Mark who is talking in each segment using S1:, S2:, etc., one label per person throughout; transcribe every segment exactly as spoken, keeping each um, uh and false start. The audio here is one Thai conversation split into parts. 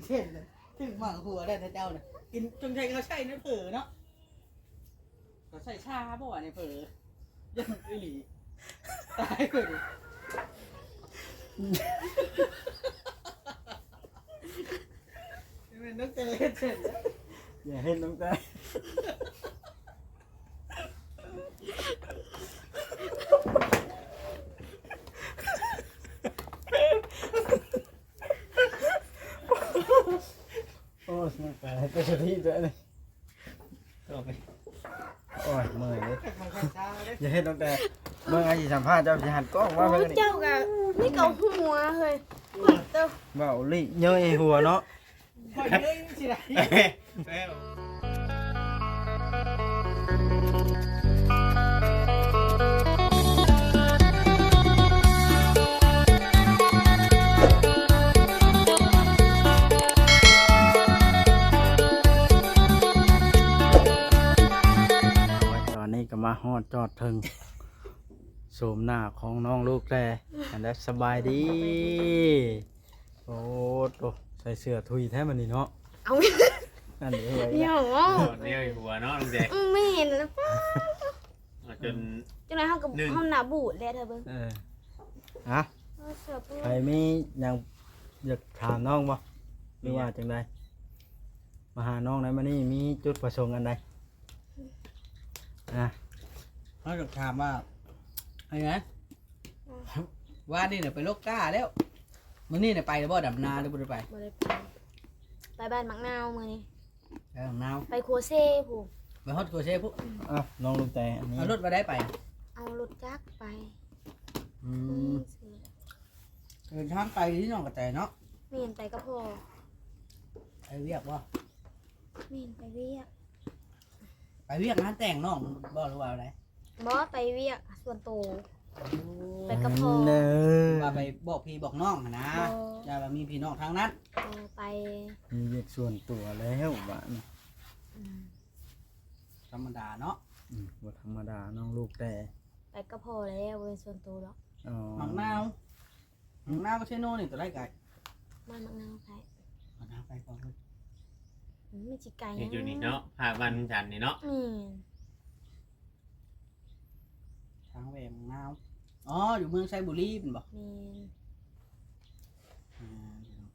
S1: เช่นเลยถึงหมังหัวได้นะเจ้าเนี่ยกินจงใจเขาใช่นะเผลอเนาะเขาใส่ชาบ่วะเนี่ยเผลอยังไอหลีตายเลยเป็นนักเตะเช่น
S2: อย่าเห็นน้ำตาโอ้ยน้ำตาก็จะที่ด้วยเลยโอ้ยเมื่อยเลยอย่าเห็นน้ำตาเมื่อไงสิสัมภาษณ์เจ้าสิหันกล้องว่าเพิ่นนี่
S3: เจ้ากะนี่เกาหัวเฮ้ยเจ้า
S2: เบาลิเยอะไอ้หัวเนาะ
S1: คอยเลยสิไร
S2: ตอนนี้ก็มาฮอดจอดถึงโสมหน้าของน้องลูกแลอันนั้นสบายดีโอ้โตใส่เสื้อทุยแท้มันนี่เนาะ
S3: เอา
S2: อันนี้ไว้
S3: เดี๋ยว
S4: เรียกหัวเนาะลุงแดง
S3: ไม่เห็นแล้วป้า
S4: จน
S3: จังไรเขากับเขาหนาบูดแล้วเธอเบิ้ง
S2: เออฮะ
S3: เสือปู
S2: ใครมียังอยากถามน้องบ่หรือว่าจังใดมาหาน้องไหนมานี่มีจุดประสงค์อันใดอ่ะ
S1: เขาจะถามว่าไอ้ไงว่านี่เนี่ยไปโลกก้าแล้วมื้อนี้เนี่ยไปแล้วบ่ดำนาหรือบ่ได้ไป
S3: บ่ได้ไปไปบ้านมักนาวมือนี่
S1: ไปดำนา
S3: ไปครัวเซ่ผู้
S1: ไปฮอดโกเช่ปุ๊บ
S2: อ่ะน้องลูกแต่อันนี้
S1: เอารถมาได้ไป
S3: เอารถจักรไป
S1: อืมเดินทางไปที่หนองกระแตเนาะ
S3: ไม่เห็นไปก็พอ
S1: ไปเวียกบ่
S3: ไม่เห็นไปเวียก
S1: ไปเวียกงานแต่งน้องบ่รู้ว่าอะไร
S3: บอสไปเวียกส่วนโตว ไปกับพ่อ
S2: เนอ
S1: ว่าไปบอกพี่บอกน้องหั้นนะอย่าว่ามีพี่น้องทางนั้น
S3: เออไป
S2: มีเรียกส่วนตัวแล้วบ้าน
S3: อืม
S1: ธรรมดาเนาะ
S2: อืมบ่ธรรมดาน้องลูกแต่
S3: ไปก็พอแล้วเป็นส่วนตัวหรอก
S2: อ๋อ
S1: หมังนาวหมังนาวก็ใช่โน่นี่ตัวไรไก่
S3: บ้านมักนาวไป
S1: หมังนาวไปก่อนเลย
S3: อืมไม่จิไก่
S4: อยู่นี่เนาะพาวันจันทร์นี่เนาะ
S3: นี่
S1: ทางแหวงหมังนาวอ๋ออยู่เมืองไซบุรีเป็นบ่
S3: นี่
S1: อ่า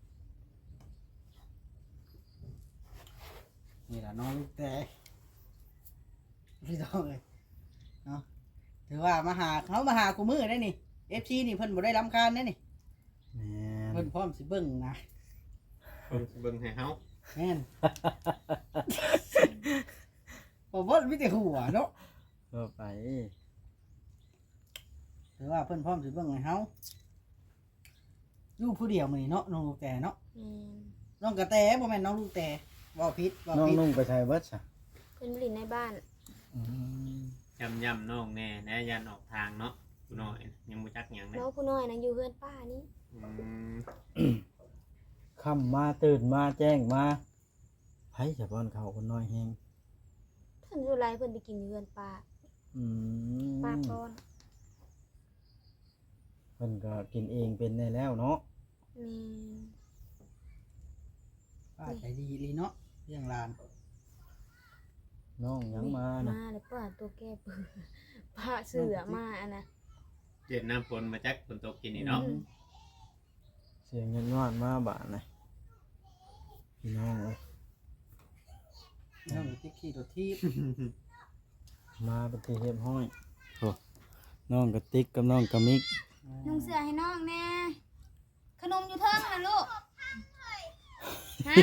S1: นี่แหละน้องลูกแต่พี่น้องเลยเนาะถือว่ามาหาเขามาหากูมือได้นี่เอฟซีนี่เพิ่นบ่ได้รำคาญได้นี่
S2: แม่น
S1: เพิ่นพร้อมสิเบิ่งนะ
S4: เบิ่งให้เฮา
S1: แม่น ผมว่ามีแต่หัวเนาะ
S2: ก็ไป
S1: ถือว่าเพิ่นพร้อมสิเบิ่งให้เฮาอยู่ผู้เดียวมื้อนี้เนาะน้องลูกแต่เนาะ
S3: นี่
S1: น้องกระแตบ่แม่นน้องลูกแต่เว้าผิดเว้า
S2: น้อง
S1: ผิด
S2: นุ่งไปใช้เบิดซะ
S3: เป็นบริณในบ้าน
S2: อืม
S4: ย่ำย่ำน้องแน่แน่ยันออกทางเนาะกูน้อยยังบ่จักหยังนะ
S3: น้องผู้น้อยนะอยู่เพื่อนป้านี่
S4: อืม
S2: ค่ำมาตื่นมาแจ้งมาไผจะป้อนข้าวคนน้อยแฮง
S3: เพิ่นอยู่ไรเพิ่นไปกินอยู่เพื่อนป้า
S2: อืม
S3: ป้าป้อน
S2: เพิ่นก็กินเองเป็นได้แล้วเนาะ
S3: นี่
S1: ป้าใจดีอีหลีเนาะเรื่องหลาน
S2: น้องยังมานะ
S3: มาเลยป้าตัวแก้เปื้อป้าเสือมาอันนะ
S4: เจ็ดน้ำฝนมาจักฝนตกกินนี่เนาะ
S2: เสียงเงินวาดมาบาดนะพี่น้องเอ้ย
S1: น้องติ๊กขี้ตัวทีบ
S2: มาปฏิเฮ็ดห้อยโอ้น้องกระติกกับน้องกระมิก
S3: นุ่งเสือให้น้องแน่ขนมอยู่เทิงนะลูกฮะ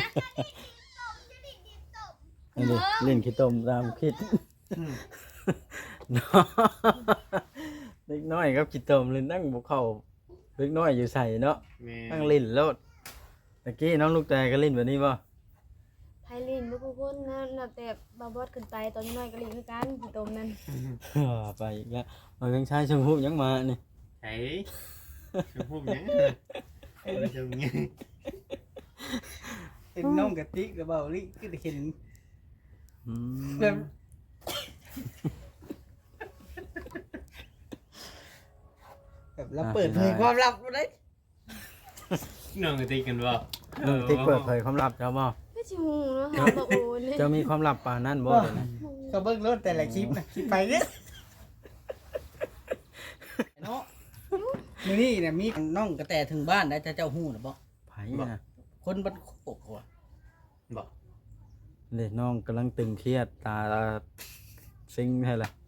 S2: อันนี้เล่นขี้ตมตามคิดเนาะเล็กน้อยครับขี้ตมเล่นนั่งบุกเข้าเล็กน้อยอยู่ใส่เนาะ
S4: แม่
S2: นั่งเล่นโลดตะกี้น้องลูกแต่ก็เล่นแบบนี้ป่ะ
S3: ไพลินบุกคนนะนับแต่บาบอสขึ้นไปตอนน้อยก็ลินด้วยกันที่ตมนั้น
S2: ไปอีกแล้วมาเพียงชายชมพูยังมานี่
S4: ไอ้ชมพูหยังไอ้ชมหยัง
S1: เห็นน้องกะติกกับเบาลิก็ได้เห็น
S2: อืม
S1: แบบแบบเราเปิดเผยความลับมาได้
S4: น้องก็ตีกันบ่
S1: ฮ
S2: น้องติ๊กเปิดเผยความลับเจ้าบ่
S3: ไม่ชิฮูเนาะค่ะบ่โอนเลย
S2: เจ้ามีความลับปานนั้นบ่เดี๋ยวนี้
S1: ก็เบิ่งรถแต่ละคลิปนะคลิปไปเนี่ยเนาะมื้อนี้เนี่ยมีน้องกระแตถึงบ้านได้จะเจ้าฮู้น่ะบ่
S2: ไผนะ
S1: คนบ้านโคกหัว
S4: บอก
S2: เด็กน้องกำลังตึงเครียดตาซิงให้ละ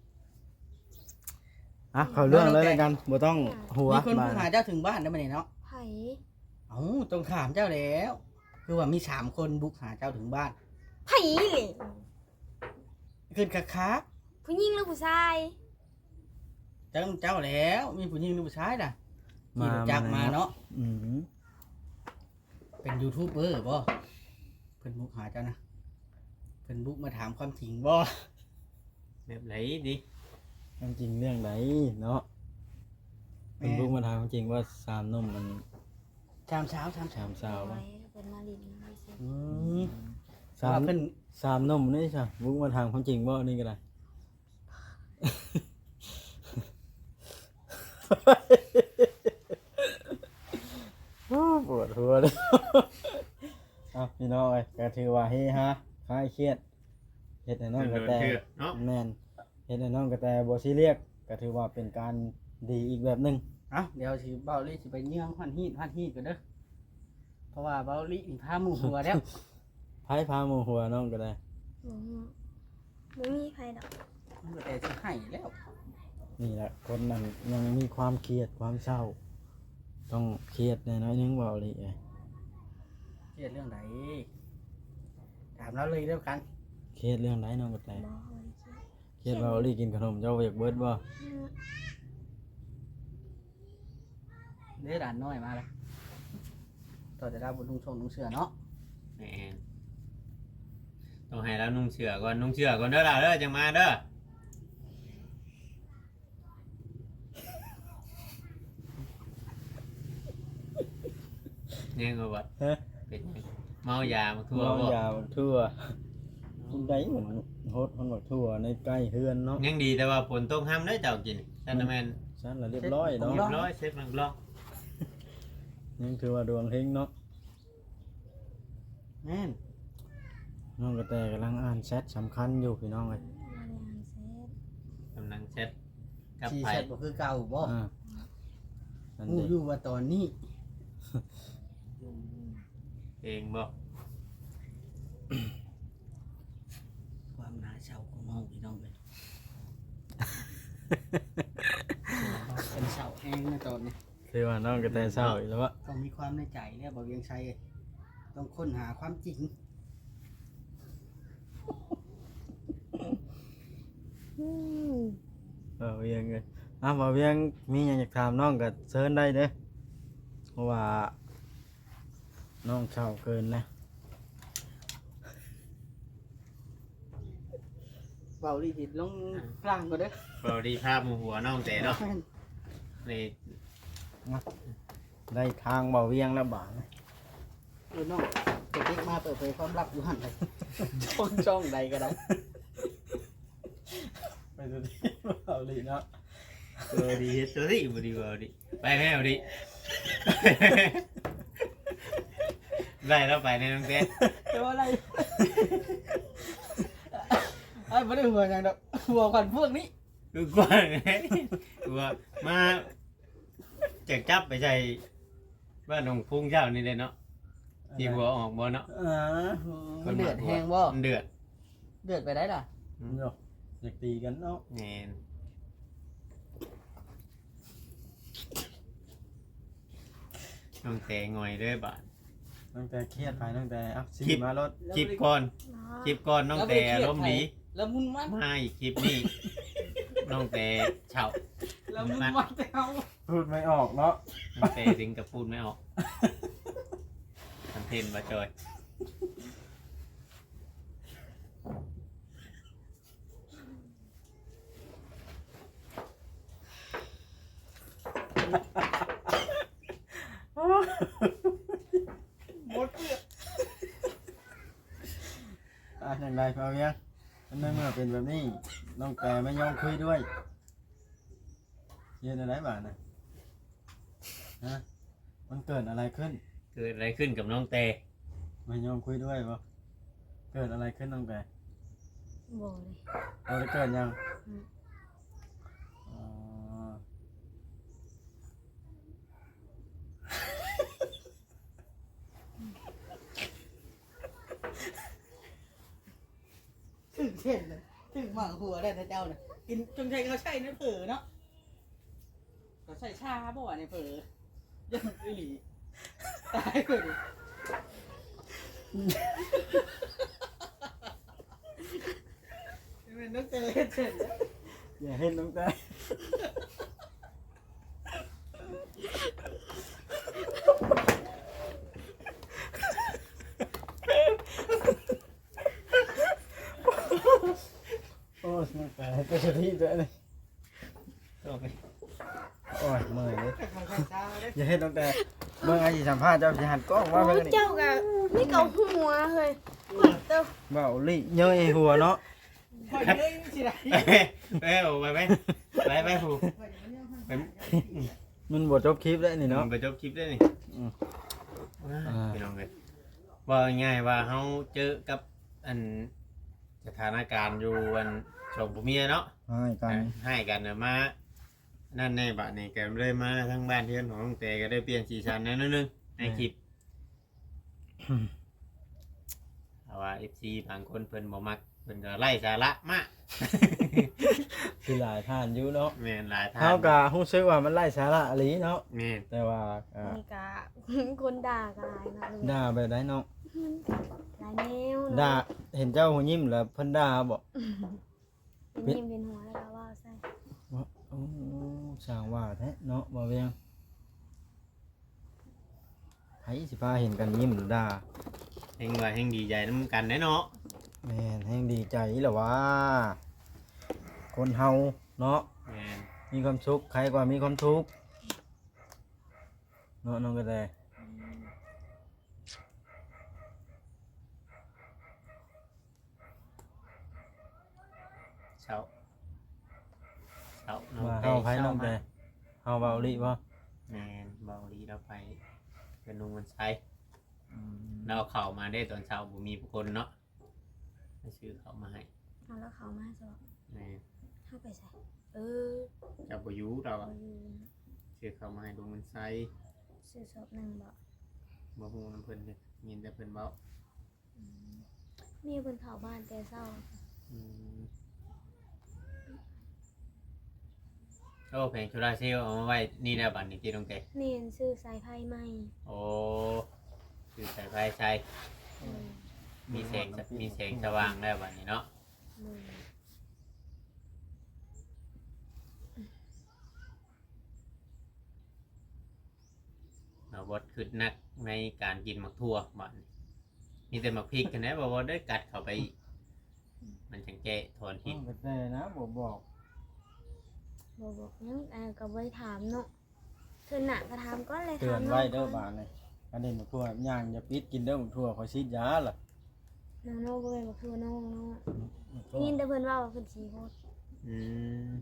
S2: อ่ะเข้าเรื่องเลยแล้วกันบ่ต้องหัว
S1: มีคน
S2: มา
S1: ผู้หาเจ้าถึงบ้านได้มื้อนี้เนาะ
S3: ไผ
S1: เอ้าต้องถามเจ้าแล้ว คือว่ามีสามคนบุกหาเจ้าถึงบ้าน
S3: ไผเลย
S1: ขึ้นคักคัก
S3: ผู้หญิงหรือผู้ชาย
S1: เจ้าเจ้าแล้ว มีผู้หญิงหรือผู้ชายน่ะขี่รถจักรมาเนาะ
S2: อืม
S1: เป็นยูทูบเบอร์บ่เพิ่นบุกหาเจ้านะเพิ่นบุกมาถามความจริงบ่
S4: แบบไหนดิ
S2: ความจริงเรื่องไหนเนาะเป็นลูกมาถามความจริงว่าสามนมมัน
S1: ชามเช้าชามเช้า
S2: สามสาว
S3: ไว้
S2: ป่ะ
S3: เป็นมาลินไว้สิ
S1: อืม
S2: สาม
S1: ว่าเพิ่น
S2: สามนมนี่ใช่บุกมาถามความจริงบ่นี่ก็ได้ ปวดหัวเลย เอาพี่น้องเอ้ยก็ถือว่าเฮฮะคลายเครียดเฮ็ดให้น้องกระ
S4: เดิน
S2: แต
S4: เชื่อเนาะ
S2: แม่นเฮ็ดให้น้องกระแตบ่ซีเรียสก็ถือว่าเป็นการดีอีกแบบหนึง
S1: เอ้าเดี๋ยวสิเบาลี่สิไปเนื่องฮันฮีดฮันฮีดกันเด้อเพราะว่าเบาลี่นี่พาหมู่หัวแล้ว
S2: ไผพาหมู่หัวน้องก็ได้
S3: บ่ฮู้บ่มีไผดอก
S1: มันก็แต่สิให้แล้ว
S2: นี่แหละคนนั้นยังมีความเครียดความเศร้า ต้องเครียดแน่น้อยนึงเว้าเลยเอ้ย
S1: เครียดเรื่องไหนถามเราเลยเรื่องกัน
S2: เครียดเรื่องไหนน้องกระแต
S3: บ่บ่ได้คิด
S2: เครียดว่าเอาลี่กินขนมเจ้าอยากเบิดบ่
S3: อืม
S1: เด้อด่านน้อยมาแล้วต่อจะได้บุญลุงชงลุงเสือเนาะ
S4: แหมต้องให้แล้วนุ่งเชือก่อนนุ่งเชือก่อนเด้อล่ะเด้อจังมาเด้อเนี่ยก็ว่า
S2: ฮะ
S4: เป็นไงเมายามาทั่ว
S2: เมา
S4: บ่
S2: ยาบักทั่วคุณได้เหมือนโฮดมันบักทั่วในใกล้เฮือนเนาะ
S4: ยังดีแต่ว่าฝนตกห้ามได้อเจ้ากินซันน่ะแม่น
S2: ชั้นละเรียบร้อยเนาะ
S4: เรียบร้อยเซฟมันล็อก
S2: ยังถือว่าดวงเฮงเนาะ
S1: แม่น
S2: น้องกระแตกำลังอ่านแชทสำคัญอยู่พี่น้องเลย
S3: บ่ได้อ่านเสร็จ
S4: กำลังเช็ดกับ
S1: ชี
S4: ไผ่
S1: แชทบ่คือเก่าบ่
S2: อ่านั่น
S1: ฮู้
S2: เด็
S1: อยู่ว่าตอนนี้
S4: เองบ่
S1: ความน่าเศร้าของน้องพี่น้องเลยเป็นเศร้าแห้งนะตอนนี้
S2: คือว่าน้องกระแตเศร้าอีกแล้ววะ
S1: ต้องมีความในใจแล้วบ่เวียงชัยต้องค้นหาความจริง
S2: เออเวียงเลยอ่ะมาเวียงมีอย่างอยากถามน้องก็เชิญได้เด้อเพราะว่าน้องเศร้าเกินนะ
S1: เบาลีสิลงกลางก็เด้อ
S4: เบาดีภาพหมู่หัวน้องแต่เนาะนี่
S2: ได้ทางเบาเวียงแล้วบาดนะ
S1: เออน้องเด็กๆมาเปิดเผยความลับอยู่หั่นเลยช่องช่องใดก็ได้
S2: ไปดูดิเบาลีเนาะ
S4: เบาดีเฮ็ดตัวนี้บ่ดีเบาดีไปแม่เบาดีได้แล้วไปในน้องแต่
S1: แต่ว่าอะไรไอ้ไม่ได้หัวอย่างดอกหัวขวัญพวกนี้
S4: คือกว้างไงคือว่ามาจะจับไปใส่บ้านหนองพุ่งเจ้านี่เลยเนาะที่หัวออกบ่เนาะ
S1: อ่ามันเดือดแห้งบ่
S4: มันเดือด
S1: เดือดไปได้ล่ะ
S2: เนาะอยากตีกันเนาะ
S4: แม่นน้องแต่งอยเด้อบาด
S2: ตั้งแต่เครียดไปตั้งแต่อ่ะซี
S4: คลิป
S2: มารถ
S4: คลิปก่อน
S3: เนาะ
S4: คลิปก่อนน้องแต่ล้มณ์ดี
S1: แล้วมุนมัน
S4: มาอีกคลิปนี้น้องแต่เฉา
S1: แล้วมุนมันแต่เอา
S2: พูดไม่ออกเนาะ
S4: น้องแต่ถึงกับพูดไม่ออกคอนเทนต์มาจอย
S1: หมดเกลือ
S2: อ่ะอย่างไรเบาเวียงอันนั้นเมื่อเป็นแบบนี้น้องแต่ไม่ยอมคุยด้วยเย็นอะไรบาดนะฮะมันเกิดอะไรขึ้น
S4: เกิดอะไรขึ้นกับน้องเต
S2: มายอมคุยด้วยบ่เกิดอะไรขึ้นน้องแต่
S3: บ่เลย
S2: เราได้เกิดยัง
S3: อืม
S2: อ๋อ
S1: ถึงเช่นเลยถึงหมักหัวได้นะเจ้าเนี่ยกินจงใจเขาใช่นะเผลอเนาะเขาใส่ชาบ่เนี่ยเผลอยังอีหลีตายเลยเป็นนักเตะเช่น
S2: อย่าเห็นน้องแต่โอ้ยน้องแต่ก็จะที่ด้วยเลย
S4: โอเค
S2: โอ้ยเมื่อยเลย
S1: เขาใส่ชาเลย
S2: อย่าเห็นน้องแต่เมื่อไอ้สิสัมภาษณ์เจ้าสิหันกล้องว่า
S3: โอ้
S2: เพิ่นนี่
S3: เจ้าก็นี่เกาหัวเฮ้ยเต้า
S2: เบาลิเย้ยหัวเนาะ
S1: คอยเลยสิไร
S4: ไปไปไปไปไปผู้ไป
S2: มันบ่จบคลิปแล้วนี่เนาะ
S4: ไปจบคลิปได้นี่
S2: อืม
S4: พี่น้องเลยว่าง่ายว่าเขาเจอกับอันสถานการณ์อยู่อันชมผู้เมียเนาะ
S2: ให้กัน
S4: ให้กันน่ะมานั่นในบัดนี้แกเลยมาทั้งบ้านเทือนของน้องเตก็ได้เปลี่ยนสีสันนิดนึงในคลิปแต่ว่า เอฟ ซี บางคนเพิ่นบ่มักเพิ่นก็ไล่สาระมาก
S2: คือหลายท่านอยู่เนาะ
S4: แม่นหลายท่าน
S2: เฮาก็รู้สึกว่ามันไร้สาระอีหลีเนาะ
S4: แม่น
S2: แต่ว่าอ่า
S3: นี่กะ คนด่ากันหลายเนาะลูก
S2: ด่าไปได้เนาะ
S3: หลายแนว
S2: ด่าเห็นเจ้าหัวยิ้มแล้วเพิ่นด่าบ่
S3: เป็นยิ้มเป็นหัวแล้วก็ว่าใส่
S2: ว่าโอ้สร้างว่าแท้เนาะบ่เวียงไผสิพาเห็นกันยิ้มหรือด่า
S4: แห่งว่าแห่งดีใจนํกันแน่เนาะ
S2: แม่นแฮงดีใจแหละว่า คนเฮาเนาะ
S4: แม่น
S2: มีความสุขใครกว่ามีความทุกข์เนาะน้องกระแต
S4: เช้าเช้าน้อง
S2: ว่า
S4: เต
S2: เฮาไผน้อง
S4: เช้า
S2: แต่
S4: มา
S2: เฮาเบาลิบ่
S4: แม่นเบาดีเราไปเป็นนุ่งมันใช้เราเอาเข่ามาได้ตอนเช้าบ่มีผู้คนเนาะให้ซื้อเขามาให้
S3: เอาแล้วเขามาสอบ
S4: แม่น
S3: เข้าไปใส่เออ
S4: เจ้าบ่อยู่เรา
S3: เอ
S4: อะ
S3: อ
S4: ซื้อเขามาให้ลุงมันใช้
S3: ซื้อสอบหนึ่งบ่
S4: บ่ฮู้นำเพิ่นเด้มีแต่เพิ่นเว้า
S3: อืมมีบนเขาบ้านแต่เศร้า
S4: อืมโอ้แผงโซลาร์เซลล์เอามาไว้นี่แล้วบัดนี้ที่ตรงเต
S3: เนียนซื้อสายไพ่ใหม่
S4: โอ้คือสายไฟใช้
S3: เออ
S4: มีแสงมีแสงสว่างแล้วบัดนี้เนาะ
S3: มือ
S4: เราบดขึ้นนักในการกินหมักทั่วบัดนี้มีแต่หมักพริกกันนะบ่ว่าได้กัดเข้าไปอีกมันจังแก้ถอน
S2: น้
S4: พิ
S2: อ
S4: ษ
S2: งกระแตนะบ่บอก
S3: บบอกยังอ่าก็บ่ได้ถามเนาะเธอหนักก็ถามก็เลย
S2: เตือ
S3: ถาม
S2: น
S3: น้
S2: ไว้
S3: อง
S2: เด้อบาดนี่อันนี้บักทั่วย่างอย่าปิดกินเด้อบักทั่วขอยฉีดยาล่ะ
S3: น้องโน้บ่เป็นบอกคือน้องเนาะได้ยินแต่เพิ่นว่าว่าเพิ่นสิโคตร
S4: อืม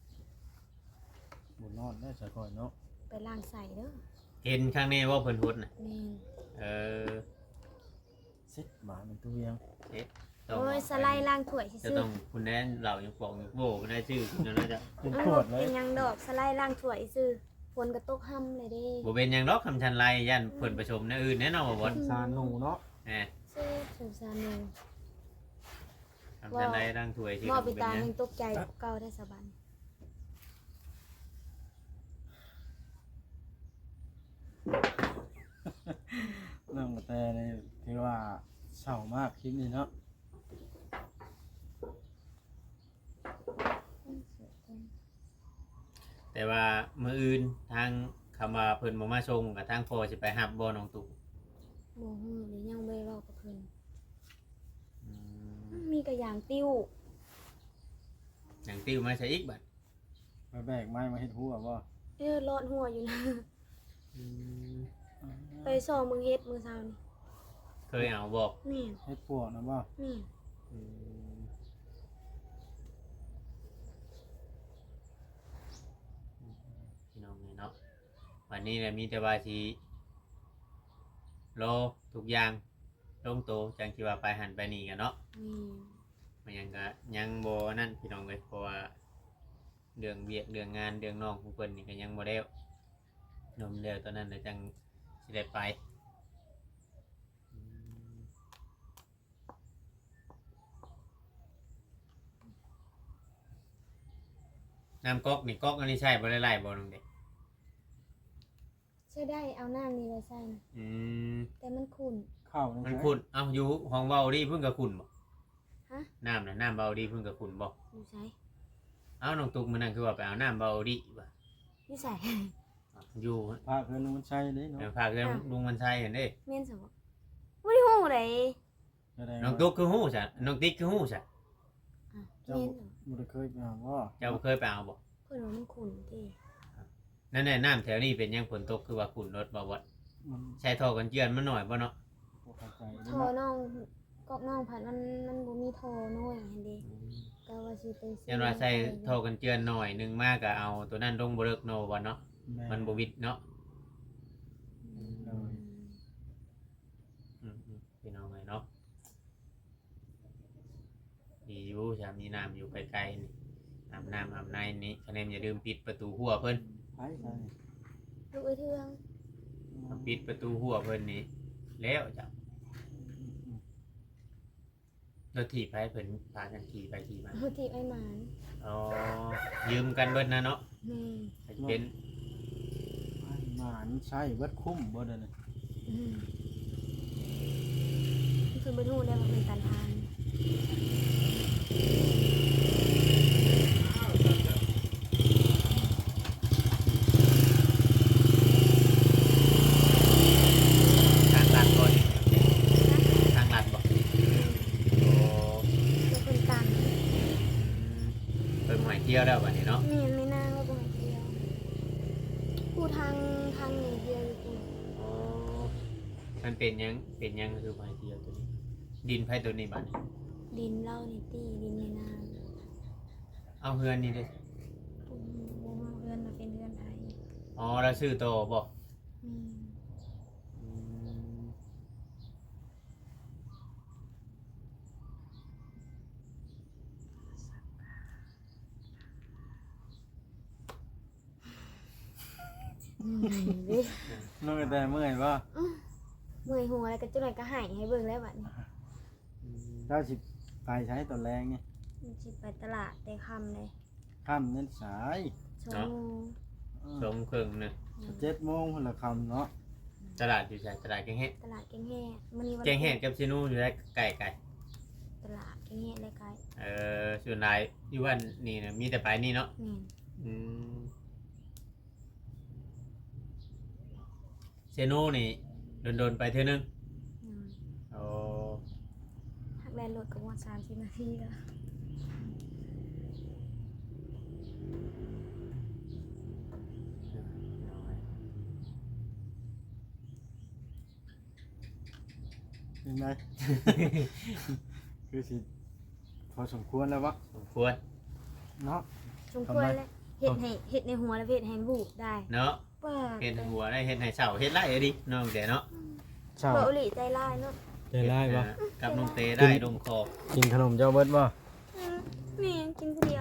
S2: บ่นอนได้สักก่อนเนาะ
S3: ไปล้างใส่เด้อ
S4: เห็นข้างในว่าเพิ่นฮดน่ะ
S3: แม่น
S4: เออ
S2: สิบบาทเป็นตัวเวียง
S4: ต้อง
S3: โอ้ยสไลด์ล้างถ้วย
S4: จะ
S3: ซื่อ
S4: ต้องคุณแน่เหล่ายังปอกยังโบกได้ชื่อคุณน่าจะ
S2: เป็น
S3: ๆ
S2: ขวดเลย
S3: เป็นหยังดอกสไลด์ล้างถ้วยซื่อฝนก็ตกห่ำเลยเด้
S4: บ่เป็นหยังดอกคำชันไลยันเพิ่นประชมแนวอื่นแน่นอนบ่บ่
S2: สารหนูเนาะ
S4: แหม
S3: ซื่อสงสารหนู
S4: คำชันไลร่างถวยชื่อ
S3: มอ
S4: บ่
S3: ปิ
S4: เป็น
S3: ตา
S4: หยัง
S3: ยังตกใจกว่าเก่าได้สะบัน
S2: น้องกระแตนี่ถือว่าเศร้ามากคลิปนี้เนาะ
S4: แต่ว่ามื้ออื่นทางคำว่าเพิ่นบ่มาส่งกับทางพ่อสิไปรับบ่น้องตู่
S3: บ่ฮู้หรือยังบ่ได้เว้ากับเพิ่น
S4: อืม
S3: มีกระยางติ้ว
S4: หยังติ้วมาใส่อีกบัด
S2: ไปแบกไม้มาเฮ็ดหัวบ่
S3: เอ้อรอดหัวอยู่นะ
S4: อืม
S3: ไปซอมึงเฮ็ดมื้อเช้านี่
S4: เคยเอาบ่
S3: แม่น
S2: เฮ็ดปวกนะบ่
S3: แม่น
S4: อืมพี่น้องนี่เนาะวันนี้เนี่ยมีแต่ว่าสิรอทุกอย่างลงโตวจังสิว่าไปหันไปนี่กันเนาะ
S3: อืม
S4: มันยังก็ยังบ่นั่นพี่น้องเอ้ยเพราะว่าเรื่องเวียกเรื่องงานเรื่องน้องของเพิ่นนี่ก็ยังบ่แล้วนมแล้วตอนนั้นน่ะจังสิได้ไปอืมน้ำก๊อกนี่ก๊อกอันนี้ใช่บ่ได้ไล่บ่น้องเด็ก
S3: ใช่ได้เอาน้ำนี่เลยใส่นะ
S4: อืม
S3: แต่มันขุ่น
S2: เข้านี่
S4: มัน
S2: ใช่
S4: ขุ่นเอ้าอยู่ห้องเว้าดีเพิ่นก็ขุ่นบ่
S3: ฮะ
S4: น้ำน่ะน้ำเบาดีเพิ่นก็ขุ่นบ่
S3: อยู่ใส่
S4: เอ้าน้องตุ๊กมื้อนั้นคือว่าไปเอาน้ำเบาดีบ่
S3: อยู่ใส่
S4: อยู่
S2: พาเพิ่นมันใช่เด้
S4: เดี๋ยว
S2: เนาะ
S4: พาเรื่องลุงมันชัยเห็นเด้
S3: เม่นสมบ่บ่ได้ฮู้เลย
S2: แสดง
S4: น้อง
S2: ว่า
S4: ตุ๊กคือฮู้ซะน้องติ๊กคือฮู้ซะ
S3: อ่ะเม่นสม
S2: บ่ได้เคยไปหาว่า
S4: เจ้าเคยไปเอาบ่
S3: เพิ่นว่ามันขุ่นติ
S4: นั่นแหละน้ำแถวนี้เป็นยังฝนตกคือว่าขุ่นรถบ่วัด
S2: มัน
S4: ใช้ท่อกันเจือนมันหน่อยบ่เนาะ
S2: บ่เข้าใจ
S3: โท
S2: เด้
S3: ร
S2: เนาะ
S3: น้องกอกน้องผัดมันมันบ่มีโทรน้อยหั่นเด้ก็ว่าสิไปซื้อ
S4: ยันว่าใช้ท่อกันเจือนหน่อยหนึงมากก็เอาตัวนั้นลงบ่เลิกโนบ่เนาะ
S2: แ
S4: มันบ่วิดเนาะ
S3: อืม
S4: อืมๆพี่น้องเอ้ยเนาะดีอยู่ชามีน้ำอยู่ไกลๆนี่อาบน้ำอาบในนี่คะแนนอย่าลืมปิดประตูหัวเพิ่น
S2: ไปใช่
S3: ลูกเอ้ยเทือง
S4: ปิดประตูหัวเพิ่นนี่แล้วจ้ะรถถีบไปเพิ่นพากันขี่ไปขี่มา
S3: ฮู้ที่ไอ้หมาน
S4: อ๋อยืมกันเบิดนะเนาะ
S3: แม่
S4: เป็น
S2: ไปหมานใช่เบิดคุ้มบ่เด้อนี่
S3: อืมคือบ่ฮู้แล้วว่าเป็นตันทาน
S4: ทางลัดบ่นี่ทางลัดบ่โอ้
S3: แล้วเพิ่นตัน
S4: เพิ่นหมายเที่ยวแล้วบัดนี้เนาะ
S3: แม่นไม่นางแล้วบ่ให้เที่ยวกูทางทางนี้เดียวอยู่กู
S4: อ๋อมันเป็นหยังเป็นหยังคือหมายเที่ยวตัวนี้ ดินไผตัวนี้บัดนี้
S3: ดินเล่านี่ตี้ดินในนาง
S4: เอาเฮือนนี่เด้
S3: กูบ่มาเฮือนมาเป็นเฮือนไทย
S4: อ๋อแล้วซื้อโตบ่
S3: อืม
S4: อืม
S3: อืมเด้
S2: น้องแต่เมื่อยบ่
S3: เมื่อยหัวแล้วก็จังได๋ก็ให้ให้เบิ่งแล้วบัดนี้
S2: เจ้าสิไปใช้ตอนแรงนี่
S3: มันสิไปตลาดแต่ค่ำเลย
S2: ค่ำเน้นสาย
S3: ชั่วโมง
S4: สมเครื่องนึง
S2: เจ็ดโมงพุ่นละค่ำเนาะ
S4: ตลาดอยู่ไสตลาดแกงเฮ็ด
S3: ตลาดแกงแห่มื้อนี้วัน
S4: แกงเฮ็ดกับซินูอยู่ได้ไกลไกล
S3: ตลาดแกงแห่เลยไกล
S4: เอ่อส่วนหลายอยู่วันนี่นะมีแต่ไปนี่เนาะ
S3: แม่น
S4: อืมเซโนนี่โดนๆไปเท่านึง
S3: อืม
S4: โอ้
S3: หักแลนรถก็ว่าสามสิบนาทีแล้ว
S2: เป็นไง คือสิพอสมควรแล้ววะ
S4: สมควร
S2: เนาะ
S3: สมควรแล้วเฮ็ดให้เฮ็ดในหัวแล้วเฮ็ดให้บูบได้
S4: เนาะ
S3: ว่า
S4: เฮ็ดให้หัวได้เฮ็ดให้เสาเฮ็ดไรอะดิน้องแต่เนาะ
S2: เช้า
S3: บ่อุหลีใจร้ายเนาะ
S2: ใจร้ายบ่
S4: เออกับน้องเตได้ลงคอ
S2: กินขนมเจ้าเบิดบ่
S3: อืมแม่งกินคนเดียว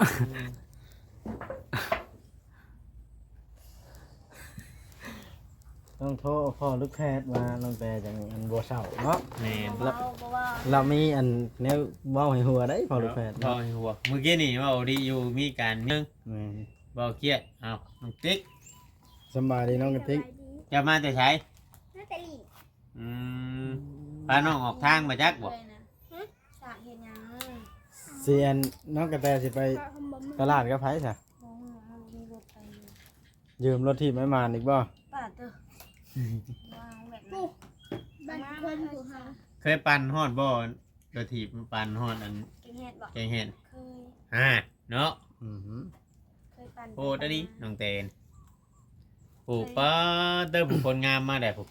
S2: ต้องโทรพ่อลูกแพทย์มาลงแต่จังอันบ่เช้าเนาะ
S4: แม่น
S3: เบาๆบ่ว่า
S2: เรามีอันแนวเว้าให้หัวได้พ่อลูกแพทย์
S4: พอ
S2: เนาะ
S4: ให้หัวเมื่อกี้นี่เว่าดีอยู่มีการเมือง
S2: แม่น
S4: บ่เครียดเอ้าน้องติ๊ก
S2: สำบายดีน้องกระติก
S4: จะมาแต่ไส
S3: น่าจะหลี
S4: อืมพาน้องออกทางมาจักบ่
S3: เลยนะฮะสากเฮ็ดหยัง
S2: เสียนน้องกระแตสิไปตลาดกับไผซะ
S3: บ่ฮู้เอามีรถไปอยู่
S2: ยืมรถที่ไม่มาอีกบ่
S3: ป้าเด้อวางแบบนั้น
S5: บ้านเพิ่นอยู่ห่าง
S4: เคยปั่นฮอดบ่กระถีบปั่นฮอดอัน
S3: เก่งเฮ็ดบ่
S4: แกงเห็น
S3: เคย
S4: อ่าเนาะ
S2: อือหือ
S3: เคยปั่น
S4: โอ้ตอนนี้น้องเตนปลูกป้าเติมผลงามมาได้ผม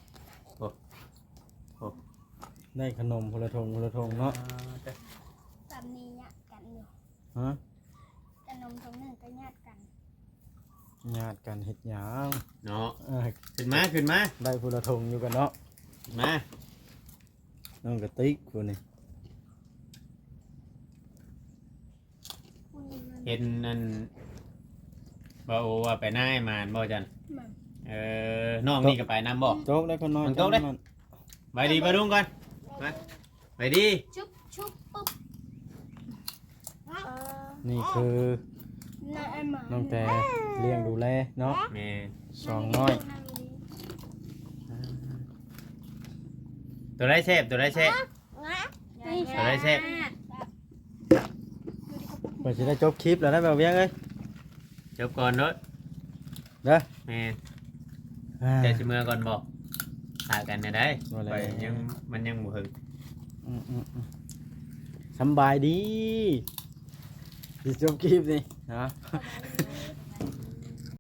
S2: ได้ขนมพลทงพลทงเนาะ
S5: สามนี้ญาติกันอยู่
S2: ฮะ
S5: แต่นมตรงหนึ่งก็ญาติกัน
S2: ญาติกันเฮ็ดหยัง
S4: เนาะ
S2: เออ
S4: ขึ้นมาขึ้นมา
S2: ได้พลทงอยู่กันเนาะ
S4: มา
S2: น้องกระติกคนนี้
S4: เห็นนั่นบ่โอว่าไปหน้าให้มานบ่จันเออน้องนี่ก็ไปนำบ่
S2: โจ๊กได้คนน้อย
S4: มันโจ๊กได้
S2: จำมัน
S4: ไปดีไปรุ่งก่อนมาไปดี
S3: ชุบชุบปุ๊บ
S2: นี่คือ
S5: น้าไอ้หมา
S2: น้องแต่เลี้ยงดูแลเนาะ
S4: แม่
S2: สองน้อย
S4: ตัวไรเซฟตัวไรเซฟ ตัวไรเซฟ
S2: เปิดจะได้จบคลิปแล้วได้แบบเวียงเอ้ย
S4: จบก่อนเนาะ
S2: เด้อ
S4: แม่
S2: อ่า
S4: เดี๋ยวสิเมื่อก่อนบอกถ่ายกันได้ได้
S2: บ่แล้ว
S4: ไปยังมันยังบ่ถึง
S2: อืมอืมอืมสำบายดีสิจบคลิปนี่นะ
S5: ส